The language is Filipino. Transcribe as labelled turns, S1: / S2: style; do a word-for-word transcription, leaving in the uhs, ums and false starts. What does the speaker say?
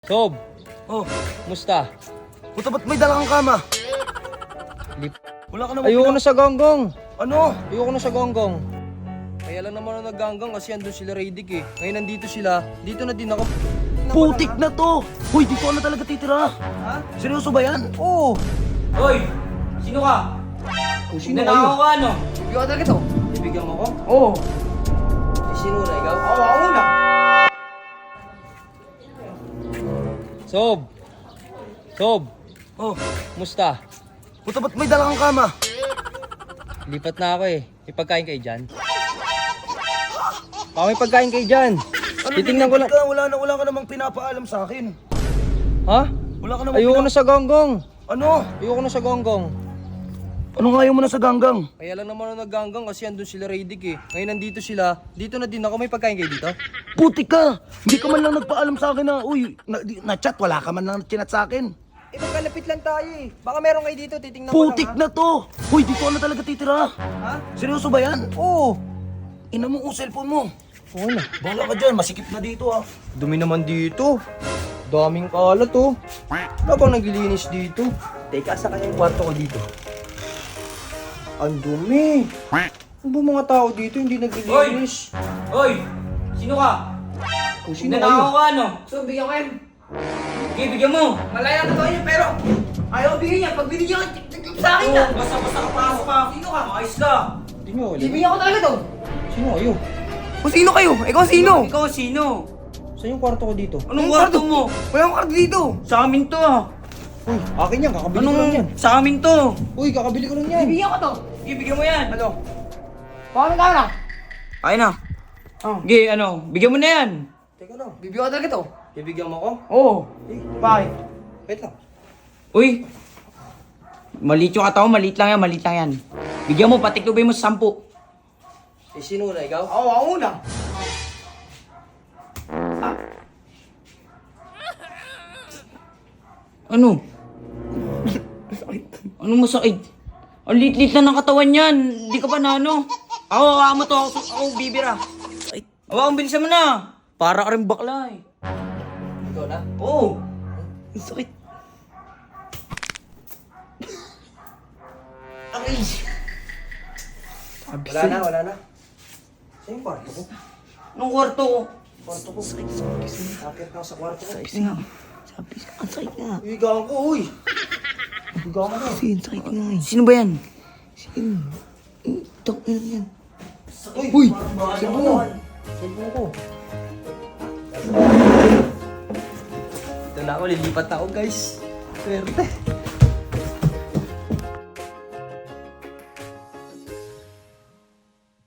S1: Sob,
S2: Oh,
S1: musta?
S2: puta ba't may dalang kama?
S1: Lip.
S2: Wala ka naman
S1: Ayoko
S2: pina-
S1: na sa gonggong.
S2: Ano?
S1: Ayoko na sa gonggong. Kaya lang naman ako nagganggang kasi andun sila Radic eh. Ngayon nandito sila, dito na din ako.
S2: Putik na to! Hoy, dito ka na talaga titira!
S1: Ha?
S2: Seryoso ba yan?
S1: Oo.
S3: Hoy! Sino ka?
S1: Oh, sino
S3: Nanakaw
S1: kayo?
S3: ka ano?
S1: Ikaw talaga to. Ibigyan mo ko?
S3: Oo.
S1: Eh, sino na ikaw?
S3: Ako, ako na.
S1: Sob. Sob,
S2: Oh,
S1: musta?
S2: puta ba't may dalang kama?
S1: Lipat na ako eh. May pagkain kayo dyan? Baka may pagkain kayo dyan.
S2: Ano,
S1: Titingnan ko lang.
S2: Ka, wala, na, wala ka namang pinapaalam sa akin.
S1: Ha?
S2: Wala ka namang
S1: Ayoko
S2: pina-
S1: na sa gonggong.
S2: Ano?
S1: Ayoko na sa gonggong.
S2: Anong ayaw mo na sa ganggang?
S1: Kaya lang naman ako nagganggang kasi andun sila Radic eh. Ngayon nandito sila, dito na din ako. May pagkain kayo dito?
S2: Putik ka! Hindi ka man lang nagpaalam sa akin na, uy, na, di- na-chat, wala ka man lang chinat sa akin.
S1: Eh, magkalapit lang tayo eh. Baka meron kayo dito, titingnan ko
S2: Putik
S1: lang
S2: na to! Hoy, dito ka na talaga titira!
S1: ha. Ha?
S2: Seryoso ba yan?
S1: Oo.
S2: Ina mo ang cellphone mo.
S1: Oo na.
S2: Bahala ka dyan, masikip na dito ah.
S1: Dumi naman dito. Daming kalat oh. Ano bang naglilinis dito? Teka, sa kanya yung kwarto ko dito. Ang dumi. Ano ba mga tao dito hindi naglilinis?
S3: Hoy! Sino ka?
S1: Kung sino
S3: Nanakaw
S1: kayo?
S3: ka ano?
S4: So, bigyan ko yan.
S3: Sige, bigyan mo.
S4: Malaya na to yun, pero ayaw bigyan niya. Pag binigyan ko, tignan sa akin na.
S3: Basta-basta ka pasok ka.
S4: Sino ka?
S3: Ayos ka.
S1: Hindi nyo alam.
S4: Ibigyan ko talaga to.
S1: Sino kayo?
S4: Kung sino kayo? Ikaw sino?
S3: Ikaw sino?
S1: Saan yung kwarto ko dito?
S3: Anong kwarto mo?
S4: Wala akong karto dito.
S3: Sa amin to ah.
S1: Uy, akin yan. Kakabili ko lang yan.
S3: Anong sa amin to?
S1: Uy, kakabili ko lang yan.
S4: Ibigyan ko to.
S3: Sige, bigyan mo yan. Ano?
S4: Baka may camera.
S3: Ayun na.
S4: Oh.
S3: Sige, ano? Bigyan mo na yan.
S1: Teka lang.
S4: Bibigyan ko talaga to.
S1: Bibigyan mo ko?
S3: Oo.
S1: Eh,
S4: Bakit?
S1: wait lang.
S3: Uy! Maliit yung katawan, maliit lang yan, maliit lang yan. Bigyan mo, patiklubay mo sa sampu.
S1: Eh, sino na ikaw?
S4: Ako, ako una.
S3: Ano? Ano masakit? Ang liit-liit na ng katawan yan. Hindi ka pa na ano. Ako, ako mo to. Ako, ako bibira. Ay, awak, bilisan mo na. Para ka rin bakla eh.
S1: Ikaw na?
S3: Oo.
S4: Ang sakit.
S1: Wala na, wala na. Saan yung kwarto ko?
S3: Anong kwarto ko?
S1: Kwarto ko. Akit na ako sa kwarto ko.
S4: Sabi nga. Sabi nga. Ang sakit nga.
S1: Higaan ko, uy. Higaan ko.
S4: Kasi ang sakit nga eh.
S3: Sino ba yan?
S4: Sino? Tok na lang yan.
S1: Uy! Cellphone mo. Cellphone ko. Ito na ako, lilipat na ako guys. Swerte.